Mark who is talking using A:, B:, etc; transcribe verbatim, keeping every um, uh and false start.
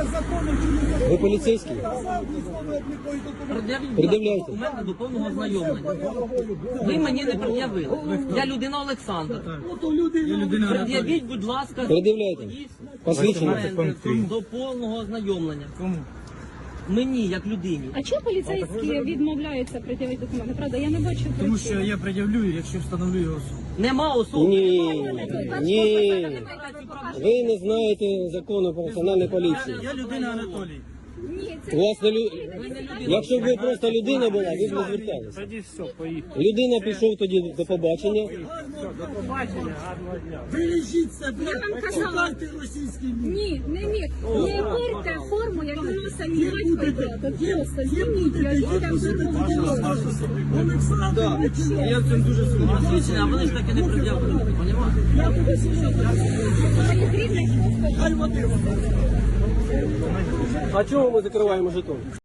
A: Ви поліцейський?
B: Пред'явіть
A: Пред'являйте.
B: документи до повного ознайомлення. Ви мені не пред'явили. Я людина Олександр. Пред'явіть, будь ласка,
A: Пред'являйте.
B: свої
A: Посвідчення.
B: документи до повного ознайомлення.
C: Кому?
B: Мені, як людині.
D: А чого поліцейські відмовляються пред'явити документи? Правда, я не бачу.
C: Тому що я пред'явлю, якщо встановлю його особу.
B: Нема особи.
A: Ні, ні. Ви не знаєте закону про національну поліцію.
C: Я людина Анатолій.
D: Ні,
A: У
D: це
A: вас не лю... Якщо б ви просто людина була, ви б не зверталися.
C: Тоді все, поїхали.
A: Людина пішов тоді до побачення.
C: До побачення, гарного дня.
E: Бережіть себе,
D: Я вам казала.
E: шукайте російський мір.
D: ні, не міг. Не вірте форму, як воно самі батько йде. То просто зніміть, я їдам до того.
E: Олександр,
C: Я в цьому дуже сумніваюся.
B: Посвідчення, а вони ж таки не пред'явили. Понімаєте?
D: Я буду слухати. Моїх рідних просто.
E: хай вони.
A: А чого ми закриваємо жетон?